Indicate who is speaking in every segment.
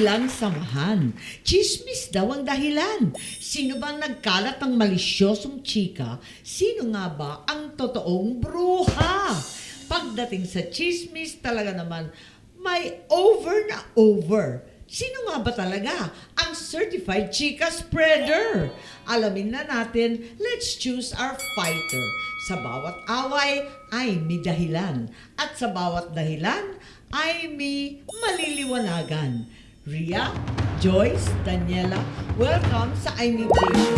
Speaker 1: Walang samahan. Chismis daw ang dahilan. Sino ba nagkalat ng malisyosong chika? Sino nga ba ang totoong bruha? Pagdating sa chismis, talaga naman may over na over. Sino nga ba talaga ang certified chika spreader? Alamin na natin, let's choose our fighter. Sa bawat away ay may dahilan. At sa bawat dahilan ay may maliliwanagan. Ria, Joyce, Daniela, welcome sa I Need Jason.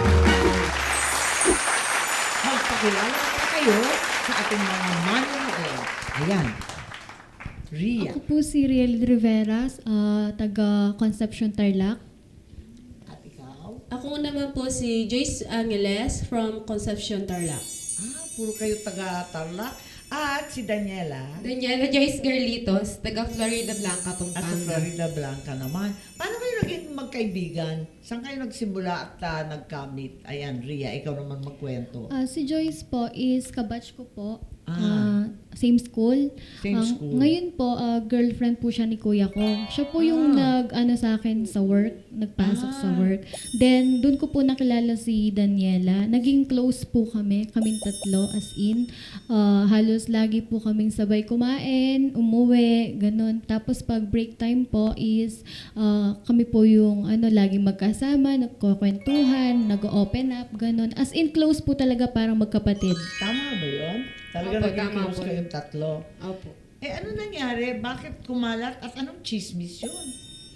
Speaker 1: Magpakilala na kayo sa ating mga manonood. Ayan. Ria.
Speaker 2: Ako po si Riel Rivera, taga Concepcion, Tarlac.
Speaker 1: At ikaw?
Speaker 3: Ako naman po si Joyce Angeles from Concepcion, Tarlac.
Speaker 1: Puro kayo taga Tarlac. At si Daniela.
Speaker 4: Daniela Joyce Garlitos, taga Florida Blanca,
Speaker 1: At sa
Speaker 4: Pampanga.
Speaker 1: Florida Blanca naman. Paano kayo naging magkaibigan? Saan kayo nagsimula at nagkamit? Ayan, Ria, ikaw naman magkwento.
Speaker 2: Si Joyce po is kabatch ko po.
Speaker 1: Ah.
Speaker 2: Same school.
Speaker 1: Same school.
Speaker 2: Ngayon po, girlfriend po siya ni kuya ko. Siya po yung nag-ano sa akin sa work, nagpasok sa work. Then, doon ko po nakilala si Daniela. Naging close po kaming tatlo, as in. Halos lagi po kaming sabay kumain, umuwi, ganun. Tapos pag break time po is kami po yung laging magkasama, nagkukwentuhan, nag-open up, ganun. As in, close po talaga, parang magkapatid.
Speaker 1: Tama ba yun? Talaga
Speaker 4: Opo,
Speaker 1: naging
Speaker 4: tama
Speaker 1: close
Speaker 4: po.
Speaker 1: kayong tatlo.
Speaker 4: Opo.
Speaker 1: Ano nangyari? Bakit kumalat? At anong chismis yun?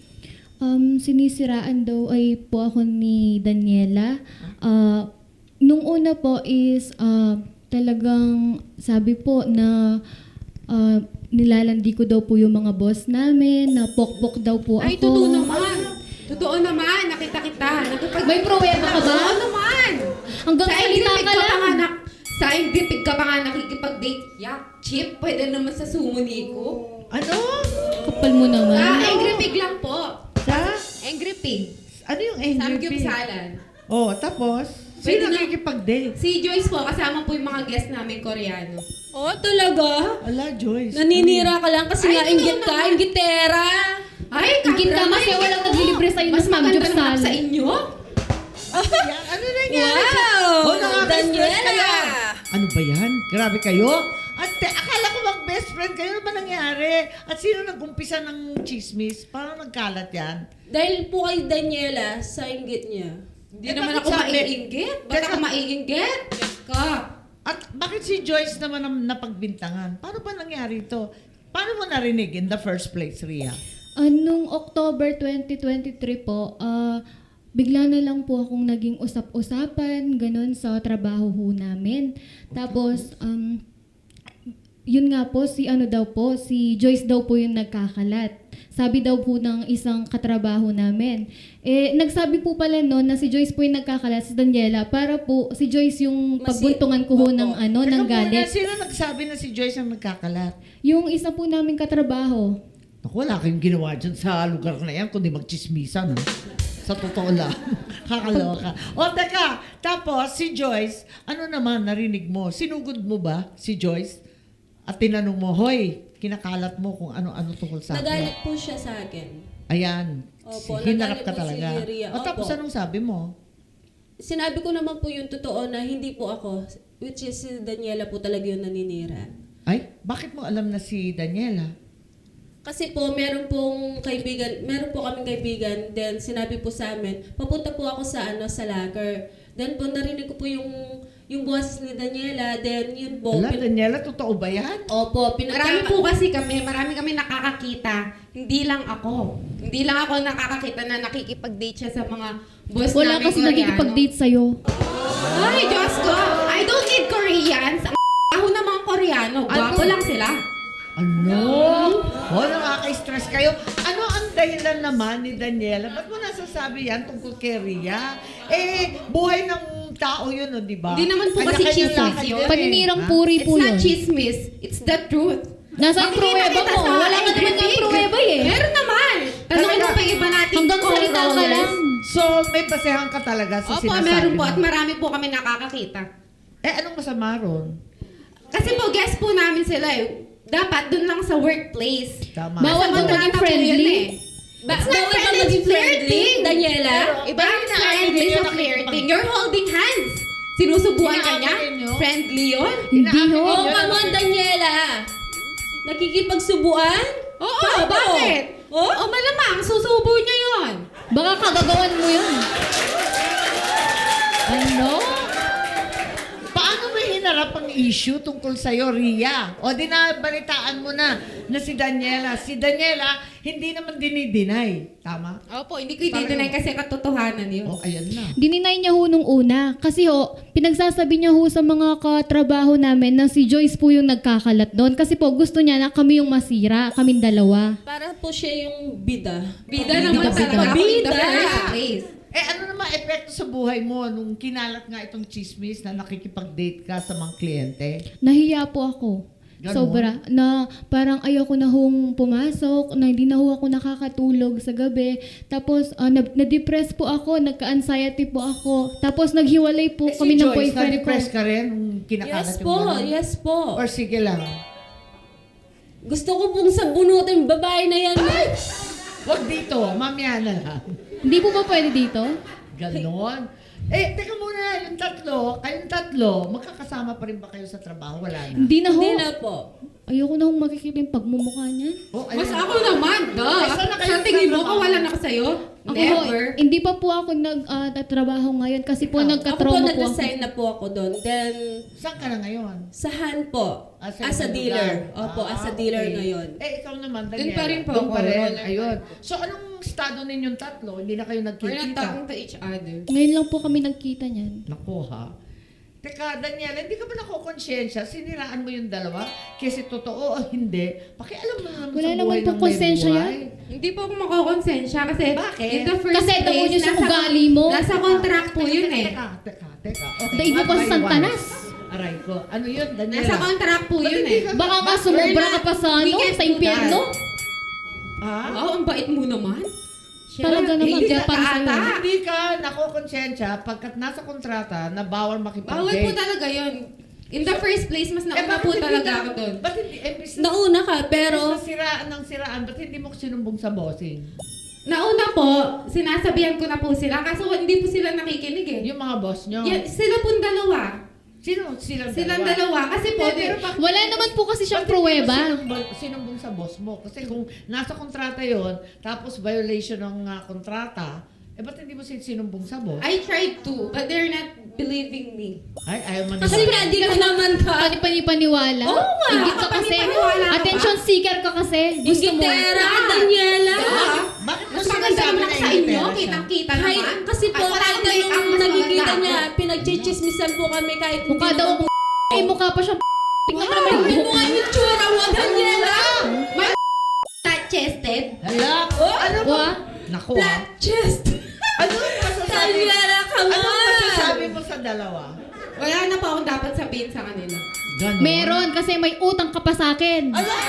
Speaker 2: Sinisiraan daw ay po ako ni Daniela. Nung una po is talagang sabi po na nilalandi ko daw po yung mga boss namin, na pokpok daw po ako.
Speaker 4: Ay, totoo naman. Totoo naman. Nakita kita.
Speaker 2: May pruweba ka ba?
Speaker 4: Oo naman.
Speaker 2: Hanggang
Speaker 4: Sa
Speaker 2: salita
Speaker 4: Engripig
Speaker 2: ka lang.
Speaker 4: Sa Engripig ka pa nga nakikipag-date. Yak, chip. Pwede naman sa sumuni ko.
Speaker 1: Ano?
Speaker 2: Kapal mo naman.
Speaker 4: Engripig lang po.
Speaker 1: Sa?
Speaker 4: Engripig.
Speaker 1: Ano yung angry pig?
Speaker 4: Samgyupsalan.
Speaker 1: Oh, tapos?
Speaker 4: Pwede
Speaker 1: Sino
Speaker 4: na-
Speaker 1: nakikipag-date?
Speaker 4: Si Joyce po, kasama po yung mga guest namin Koreano.
Speaker 3: Oh, talaga?
Speaker 1: Ala, Joyce.
Speaker 3: Naninira ka lang kasi
Speaker 4: Ay,
Speaker 3: nga
Speaker 4: totoo
Speaker 3: inggit ka,
Speaker 4: naman.
Speaker 3: inggitera.
Speaker 4: Ay,
Speaker 2: Ingit ka kasi walang naglilibre sa'yo
Speaker 4: Mas
Speaker 2: ng
Speaker 4: maganda
Speaker 2: samgyupsal.
Speaker 4: naman sa inyo.
Speaker 1: Yan, ano nangyari?
Speaker 3: Wow!
Speaker 1: Oh, nakaka-stress
Speaker 3: Daniela!
Speaker 1: kayo. Ano ba yan? Grabe kayo? At akala ko mag-best friend kayo. Ano ba nangyari? At sino nag-umpisa ng chismis? Paano nagkalat yan?
Speaker 3: Dahil po kay Daniela, sa inggit niya.
Speaker 4: Hindi
Speaker 1: Eh,
Speaker 4: naman
Speaker 1: bakit
Speaker 4: ako
Speaker 1: sabi-
Speaker 4: maiinggit. Ba't
Speaker 1: Teka.
Speaker 4: ako maiinggit? Ka.
Speaker 1: At bakit si Joyce naman ang napagbintangan? Paano ba nangyari ito? Paano mo narinig in the first place, Ria?
Speaker 2: Nung October 2023 po, bigla na lang po akong naging usap-usapan, ganun, sa trabaho ho namin. Tapos, yun nga po, si Joyce daw po yung nagkakalat. Sabi daw po ng isang katrabaho namin. Nagsabi po pala noon na si Joyce po yung nagkakalat, si Daniela, para po si Joyce yung pagbuntungan ko ho ng, ng
Speaker 1: Teka muna,
Speaker 2: galit.
Speaker 1: sino nagsabi na si Joyce ang nagkakalat?
Speaker 2: Yung isa po namin katrabaho.
Speaker 1: Naku, wala kayong ginawa dyan sa lugar na yan, kundi magchismisan. Ha? Sa totoo lang. Kakaloka. O, teka. Tapos, si Joyce, ano naman narinig mo? Sinugod mo ba si Joyce? At tinanong mo, hoy, kinakalat mo kung ano-ano tungkol sa akin.
Speaker 3: Nagalit po siya sa akin.
Speaker 1: Ayan.
Speaker 3: Opo,
Speaker 1: Hinarap
Speaker 3: nagalit
Speaker 1: ka
Speaker 3: po si
Speaker 1: talaga.
Speaker 3: Ria.
Speaker 1: O, tapos
Speaker 3: Opo.
Speaker 1: anong sabi mo?
Speaker 3: Sinabi ko naman po yung totoo na hindi po ako, which is si Daniela po talaga yung naninira.
Speaker 1: Ay, bakit mo alam na si Daniela?
Speaker 3: Kasi po, meron po kaming kaibigan, then sinabi po sa amin, papunta po ako sa locker. Then po, narinig ko po yung boses ni Daniela, then yun po.
Speaker 1: Wala, Daniela, totoo ba yan?
Speaker 3: Opo,
Speaker 4: Marami po kasi marami kami nakakakita. Hindi lang ako. Hindi lang ako nakakakita na nakikipag-date siya sa mga boss
Speaker 2: Wala
Speaker 4: namin
Speaker 2: kasi
Speaker 4: Koreano.
Speaker 2: nagkikipag-date sa'yo.
Speaker 4: Ay, Diyos ko! I don't need Koreans. Ako na mga Koreano. Gwapo lang sila.
Speaker 1: Ano? Oh, nakaka-stress kayo. Ano ang dahilan naman ni Daniela? Ba't mo nasasabi yan tungkol kay Ria? Buhay ng tao yun, di ba?
Speaker 4: Hindi naman po kasi
Speaker 1: Kanya-kanya
Speaker 4: chismis
Speaker 1: lakad
Speaker 4: yun.
Speaker 1: yan
Speaker 2: Paninirang
Speaker 1: Ha?
Speaker 2: puri
Speaker 4: It's
Speaker 2: po
Speaker 4: not
Speaker 2: yun.
Speaker 4: chismis. It's the truth.
Speaker 2: Nasaan pruweba
Speaker 4: Makikita
Speaker 2: mo?
Speaker 4: sa
Speaker 2: Wala ka naman
Speaker 4: Engripig.
Speaker 2: ng pruweba eh.
Speaker 4: Meron naman. Tanungin mo pa yung iba natin.
Speaker 2: Hanggang salita ka lang.
Speaker 1: So, may basehan ka talaga sa
Speaker 4: Opo,
Speaker 1: sinasabi
Speaker 4: meron po.
Speaker 1: mo.
Speaker 4: At marami po kami nakakakita.
Speaker 1: Anong masama ron?
Speaker 4: Kasi po, guest po namin sila eh. Dapat dun lang sa workplace.
Speaker 1: Tama.
Speaker 2: Bawal
Speaker 4: Sa
Speaker 2: ba
Speaker 4: kontrata
Speaker 2: maging
Speaker 4: po
Speaker 2: friendly?
Speaker 4: yun eh.
Speaker 3: Bawal
Speaker 4: not
Speaker 3: ba
Speaker 4: friend,
Speaker 3: maging
Speaker 4: it's
Speaker 3: friendly,
Speaker 4: flirting.
Speaker 3: Daniela?
Speaker 4: Iba yung
Speaker 1: Bakit
Speaker 4: friendly
Speaker 1: na-
Speaker 4: sa flirting. You're holding hands. Sinusubuan ka niya?
Speaker 1: Inaamin niyo?
Speaker 4: Friendly yun?
Speaker 2: Hindi ho.
Speaker 3: Oh, come on, Daniela. Nakikipagsubuan?
Speaker 4: Oo,
Speaker 3: Paano?
Speaker 4: bakit?
Speaker 3: Oh?
Speaker 4: O malamang, susubo niya yun.
Speaker 2: Baka kagagawan mo yun.
Speaker 1: Ano? Paano mo hinarap ang issue tungkol sa'yo, Ria? O di na balitaan mo na si Daniela. Si Daniela, hindi naman dinideny. Tama?
Speaker 4: Opo, hindi ko i-deny kasi katotohanan yun.
Speaker 1: O, ayan na.
Speaker 2: Dininay niya ho nung una. Kasi ho, pinagsasabi niya ho sa mga katrabaho namin na si Joyce po yung nagkakalat doon. Kasi po, gusto niya na kami yung masira, kaming dalawa.
Speaker 3: Para po siya yung bida.
Speaker 4: Bida naman talaga ako in the first place.
Speaker 1: Eh, ano naman epekto sa buhay mo nung kinalat nga itong chismis na nakikipag-date ka sa mga kliyente?
Speaker 2: Nahiya po ako.
Speaker 1: Ganon?
Speaker 2: Sobra. Na parang ayoko na hong pumasok, na hindi na ho ako nakakatulog sa gabi. Tapos na-depress po ako, nagka-anxiety po ako. Tapos naghiwalay po
Speaker 1: Eh,
Speaker 2: kami
Speaker 1: si
Speaker 2: ng
Speaker 1: Joyce,
Speaker 2: boyfriend ko.
Speaker 1: na-depress ka rin nung kinakalat
Speaker 3: Yes
Speaker 1: yung
Speaker 3: po,
Speaker 1: gano'n?
Speaker 3: yes po.
Speaker 1: Or sige lang.
Speaker 3: Gusto ko pong sabunutin yung babae na yan.
Speaker 1: Huwag dito, mamaya na lang.
Speaker 2: Hindi po ba pwede dito?
Speaker 1: Ganon. Eh, teka muna, kayong tatlo, magkakasama pa rin ba kayo sa trabaho? Wala na.
Speaker 2: Hindi na ho.
Speaker 3: Hindi na po.
Speaker 2: Ayoko na hong makikita yung pagmumukha niyan.
Speaker 1: Oh,
Speaker 4: Mas
Speaker 1: ayun.
Speaker 4: ako naman, duh.
Speaker 1: Eh, saan na kayo
Speaker 4: Sa tingin mo,
Speaker 1: nagtatrabaho?
Speaker 4: kawalan ako sa'yo?
Speaker 2: Ako
Speaker 4: Never.
Speaker 2: ho, hindi pa po ako nagtatrabaho ngayon kasi po
Speaker 3: Ako po
Speaker 2: nagka-trauma po ako.
Speaker 3: nag-resign na po ako doon. Then,
Speaker 1: Saan ka na ngayon?
Speaker 3: sa Han po.
Speaker 1: Ah, sa
Speaker 3: As a
Speaker 1: ibang
Speaker 3: dealer.
Speaker 1: lugar.
Speaker 3: Opo, as a
Speaker 1: Ah,
Speaker 3: dealer
Speaker 1: okay.
Speaker 3: ngayon.
Speaker 1: Eh, ikaw naman,
Speaker 4: Doon
Speaker 1: Daniela.
Speaker 4: pa rin po
Speaker 1: Doon
Speaker 4: ako.
Speaker 1: pa rin.
Speaker 4: Roller
Speaker 1: Ayun. So, anong estado ninyong tatlo? Hindi na kayo
Speaker 4: We're not
Speaker 1: nagkikita?
Speaker 4: talking to each other.
Speaker 2: Ngayon lang po kami nagkita niyan.
Speaker 1: Naku ha. Teka, Daniela, hindi ka ba nakukonsensya? Siniraan mo yung dalawa? Kasi totoo o hindi? Pakialam mo naman
Speaker 2: Wala
Speaker 1: sa
Speaker 2: naman
Speaker 1: buhay
Speaker 2: po
Speaker 1: ng may
Speaker 2: konsensya
Speaker 1: buhay.
Speaker 2: yan.
Speaker 4: Hindi po ako makakonsensya kasi
Speaker 1: Bakit?
Speaker 4: in the first
Speaker 2: Kasi
Speaker 4: place,
Speaker 2: daw yun sa
Speaker 4: nasa-
Speaker 2: ugali mo.
Speaker 4: Nasa contract po yun eh.
Speaker 1: Teka. Okay,
Speaker 2: Daig mo
Speaker 1: one
Speaker 2: pa
Speaker 1: by
Speaker 2: sa Santanas.
Speaker 1: one. Aray ko. Ano yun, Daniela?
Speaker 4: Nasa contract po
Speaker 1: Ba't
Speaker 4: yun
Speaker 1: hindi
Speaker 4: eh.
Speaker 1: ka-
Speaker 2: Baka nga sumobra ka pa sa
Speaker 4: We
Speaker 2: ano,
Speaker 4: can't
Speaker 2: sa
Speaker 4: do
Speaker 2: impyerno.
Speaker 1: Ha?
Speaker 4: Oh, ang bait mo naman.
Speaker 2: Talaga naman,
Speaker 4: Hindi
Speaker 2: kaya
Speaker 4: ka
Speaker 2: para sa'yo.
Speaker 4: ata.
Speaker 1: Hindi ka nakukonsensya pagkat nasa kontrata na bawal makipag-date.
Speaker 4: Bawal po talaga yun. In the first place, mas nauna
Speaker 1: bakit
Speaker 4: po
Speaker 1: hindi
Speaker 4: talaga
Speaker 1: ka-
Speaker 4: ako doon.
Speaker 1: Ba't hindi, business,
Speaker 3: Nauna ka, pero
Speaker 1: siraan ng siraan, ba't hindi mo sinumbong sa bossing?
Speaker 4: Nauna po, sinasabihan ko na po sila, kaso hindi po sila nakikinig eh.
Speaker 1: Yung mga boss nyo?
Speaker 4: Sila pong dalawa.
Speaker 1: Silang
Speaker 4: Silang dalawa. Kasi po,
Speaker 1: Hindi, pero bakit-
Speaker 2: Wala naman po kasi siyang
Speaker 1: Ba't hindi mo
Speaker 2: pruweba.
Speaker 1: sinumbong sa boss mo? Kasi kung nasa kontrata yon, tapos violation ng kontrata, ba't hindi mo sinumbong sa boss?
Speaker 4: I tried to, but they're not believing me.
Speaker 1: Ay, ayaw man
Speaker 3: kasi nga di ko naman ka.
Speaker 2: Panipaniwala.
Speaker 3: Oo nga.
Speaker 2: Ingit ka kasi.
Speaker 4: Panipaniwala ka ba?
Speaker 2: Attention seeker ka kasi. Gusto mo.
Speaker 3: Ingitera ka, Daniela.
Speaker 1: Bakit mo
Speaker 4: Mas maganda
Speaker 1: sinasabi
Speaker 4: naman
Speaker 1: na
Speaker 4: sa inyo,
Speaker 1: ingitera siya?
Speaker 4: kitang-kita
Speaker 3: Kahit,
Speaker 4: naman.
Speaker 3: kasi po,
Speaker 4: At wala
Speaker 3: kahit
Speaker 4: akong
Speaker 3: na
Speaker 4: make-up,
Speaker 3: yung
Speaker 4: mas
Speaker 3: nakikita
Speaker 4: maganda
Speaker 3: niya,
Speaker 4: ako.
Speaker 3: pinagchichismisan po kami kahit hindi
Speaker 2: Mukha daw
Speaker 3: naman-
Speaker 2: ako. Ay, mukha pa siyang
Speaker 3: Tingnan mo naman yung mukha yung tsura mo, Daniela.
Speaker 4: May flat-chested.
Speaker 1: Hala? Ano ba?
Speaker 2: Wa?
Speaker 1: Naku
Speaker 3: Flat chest.
Speaker 1: Ano masasabi?
Speaker 3: Daniela, come
Speaker 1: Ano
Speaker 3: on.
Speaker 1: masasabi mo sa dalawa?
Speaker 4: Wala na po akong dapat sabihin sa kanila.
Speaker 1: Ganon?
Speaker 2: Meron kasi may utang ka pa sa akin.
Speaker 1: Ala!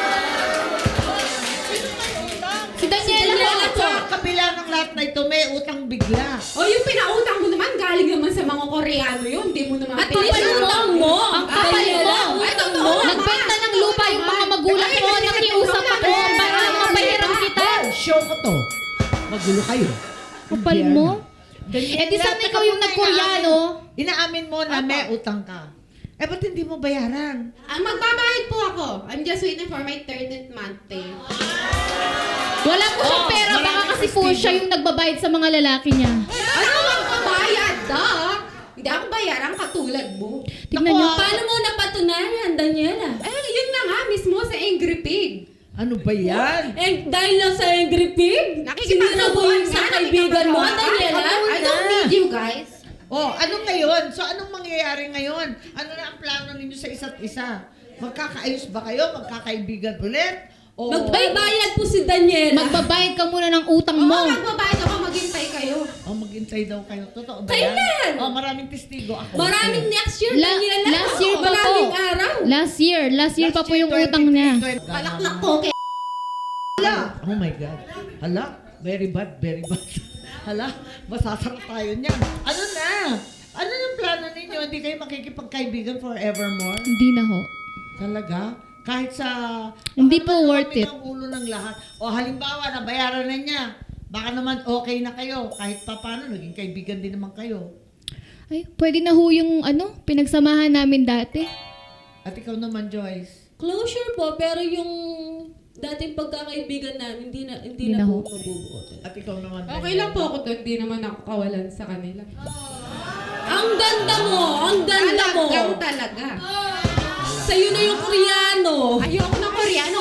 Speaker 2: Si Daniela
Speaker 3: Daniela
Speaker 2: po.
Speaker 3: po.
Speaker 1: Sa kabila ng lahat na ito, may utang bigla.
Speaker 4: O yung pinautang mo naman, galing naman sa mga Koreano yun. Hindi mo naman
Speaker 3: At least utang mo.
Speaker 2: Ang kapal
Speaker 3: Daniela,
Speaker 2: mo.
Speaker 3: utang mo.
Speaker 2: Nagbenta ng lupa yung mga magulang ko. Nakiusap ako para lang mapahiram kita.
Speaker 1: Show ko to. Magulo kayo.
Speaker 2: Kapal mo.
Speaker 1: Daniela,
Speaker 2: Eh di sana
Speaker 1: teka
Speaker 2: ikaw yung
Speaker 1: muna,
Speaker 2: nag-Koreano.
Speaker 1: Inaamin mo na may utang ka. Ba't hindi mo bayaran?
Speaker 4: Magbabayad po ako. I'm just waiting for my 13th month pay.
Speaker 2: Wala po siyang pera. Baka
Speaker 1: maraming
Speaker 2: kasi po siya yung nagbabayad sa mga lalaki niya.
Speaker 4: Ano magbabayad, duh? Hindi ako bayaran katulad mo.
Speaker 2: Tignan niyo.
Speaker 3: Paano mo napatunayan, Daniela?
Speaker 4: Yun na nga mismo sa Angry Pig.
Speaker 1: Ano ba yan?
Speaker 3: Eh, dahil lang sa Angry Pig, sinira mo yung sa kaibigan mo, Daniela.
Speaker 4: I don't need you guys.
Speaker 1: Oh, ano ngayon? So, anong mangyayari ngayon? Ano na ang plano ninyo sa isa't isa? Magkakaayos ba kayo? Magkakaibigan ulit? O...
Speaker 3: Magbaybayad po si Daniela.
Speaker 2: Magbabayad ka muna ng utang
Speaker 4: Oo,
Speaker 2: mo.
Speaker 4: magbabayad ako, maghintay kayo.
Speaker 1: Oh, maghintay daw kayo. Totoo ba
Speaker 3: Kailan?
Speaker 1: yan? Oh, maraming testigo ako.
Speaker 3: Maraming next year,
Speaker 2: La-
Speaker 3: Daniela.
Speaker 2: last year pa po.
Speaker 3: Maraming araw.
Speaker 2: Last year pa po yung utang niya.
Speaker 4: Palaklak ko, kaya
Speaker 1: Hala! Oh my God. Hala, very bad, very bad. Hala, masasarap tayo niyan. Ano na? Ano yung plano ninyo? Hindi kayo makikipagkaibigan forevermore?
Speaker 2: Hindi na ho.
Speaker 1: Talaga? Kahit sa...
Speaker 2: Hindi
Speaker 1: baka
Speaker 2: po
Speaker 1: naman
Speaker 2: worth
Speaker 1: marami
Speaker 2: it.
Speaker 1: ng ulo ng lahat. O halimbawa, nabayaran na niya. Baka naman okay na kayo. Kahit pa paano, naging kaibigan din naman kayo.
Speaker 2: Ay, pwede na ho yung pinagsamahan namin dati.
Speaker 1: At ikaw naman, Joyce.
Speaker 3: Closure po, pero yung dating pagkakaibigan namin, hindi
Speaker 2: Hindi
Speaker 3: na
Speaker 2: na
Speaker 3: po
Speaker 2: ho.
Speaker 3: mabubuo.
Speaker 1: At ikaw naman.
Speaker 4: Okay lang po ako doon. Di naman ako kawalan sa kanila.
Speaker 3: Ang ganda mo! Ang ganda mo!
Speaker 4: Talagang talaga.
Speaker 3: Sa'yo na yung Koreano!
Speaker 4: Ayoko ng Koreano.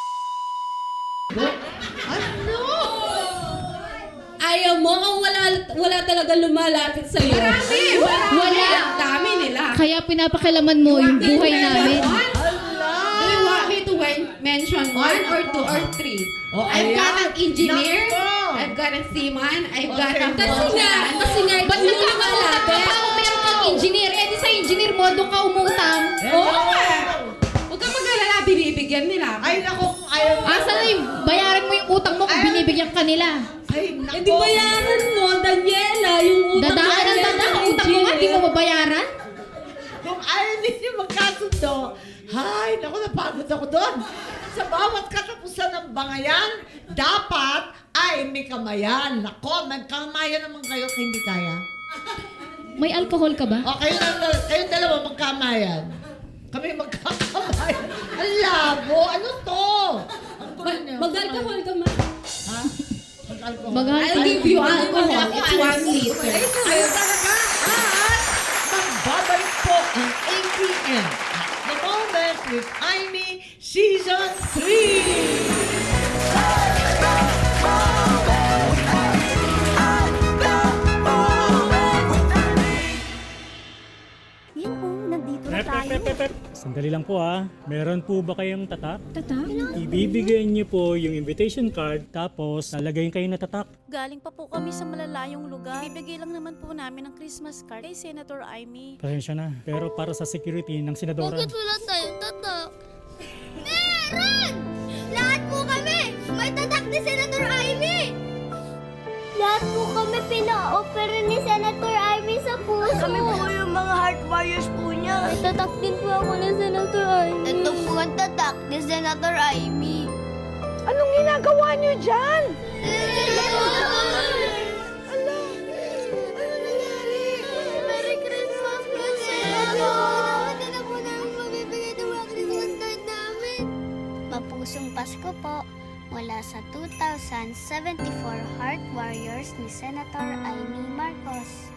Speaker 1: Ano?
Speaker 3: Ayaw mo ang wala talaga lumalapit sa'yo.
Speaker 4: Marami.
Speaker 2: Wala.
Speaker 4: Ang dami nila.
Speaker 2: Kaya pinapakilaman mo yung buhay namin.
Speaker 4: Do you want me to mention one or two or three?
Speaker 1: Oh,
Speaker 4: I've got
Speaker 1: ayan.
Speaker 4: an engineer.
Speaker 1: Nako.
Speaker 4: I've got a seaman. I've got a
Speaker 3: Kasi nga,
Speaker 2: Ba't
Speaker 3: yung
Speaker 2: nagkakautang ka
Speaker 3: lumalapit.
Speaker 2: pa kung meron kang engineer? Eh di sa engineer mo, doon ka umutang.
Speaker 4: Oo nga. Huwag kang mag-alala, binibigyan nila.
Speaker 1: Ay, nako, kung ayaw mo.
Speaker 2: Asa na yung bayaran mo yung utang mo kung binibigyan ka nila?
Speaker 1: Ay, nako.
Speaker 3: Eh di bayaran mo, Daniela, yung utang
Speaker 2: Dadaan ka ng
Speaker 3: Daniela
Speaker 2: dadaan,
Speaker 3: ng
Speaker 2: utang mo nga, di mo mabayaran?
Speaker 1: Kung ayaw ninyo magkasundo, hay, naku, napagod ako doon. Sa bawat katapusan ng bangayan, dapat ay may kamayan. Nako, magkamayan naman kayo kung hindi kaya.
Speaker 2: May alcohol ka ba?
Speaker 1: O, kayong dalawa magkamayan. Kami magkakamayan. Ang labo, ano to? Ang gulo niyo.
Speaker 3: Mag-alcohol ka man.
Speaker 1: Ha? Mag-alcohol.
Speaker 2: Mag-alcohol.
Speaker 4: I'll give you alcohol. It's 1 liter.
Speaker 1: Ayun talaga. At magbabalik po ang ATM. The Moment with Amy Season 3.
Speaker 5: Yan po, nandito na tayo.
Speaker 6: Sandali lang po Meron po ba kayong tatak?
Speaker 5: Tatak?
Speaker 6: Ibibigay niyo po yung invitation card tapos lalagay kayo na tatak.
Speaker 5: Galing pa po kami sa malalayong lugar. Bibigay lang naman po namin ng Christmas card kay Senator Amy.
Speaker 6: Pasensya na. Pero para sa security ng senadora.
Speaker 5: wala tayong tatak? Meron! Lahat po kami! May tatak ni Senator Amy! Lahat po kami pina-offer ni Senator Amy sa puso. Kami po yung mga heart warriors po niya. May tatak din po ako ni Senator Amy. Ito po ang tatak ni Senator Amy.
Speaker 7: Anong ginagawa niyo dyan?
Speaker 5: Ano nangyari? Merry Christmas po, Senator! Hindi na po namin mabibigay ng mga Christmas card namin. Mapusong Pasko po mula sa 2074 Heart Warriors ni Senator Amy Marcos.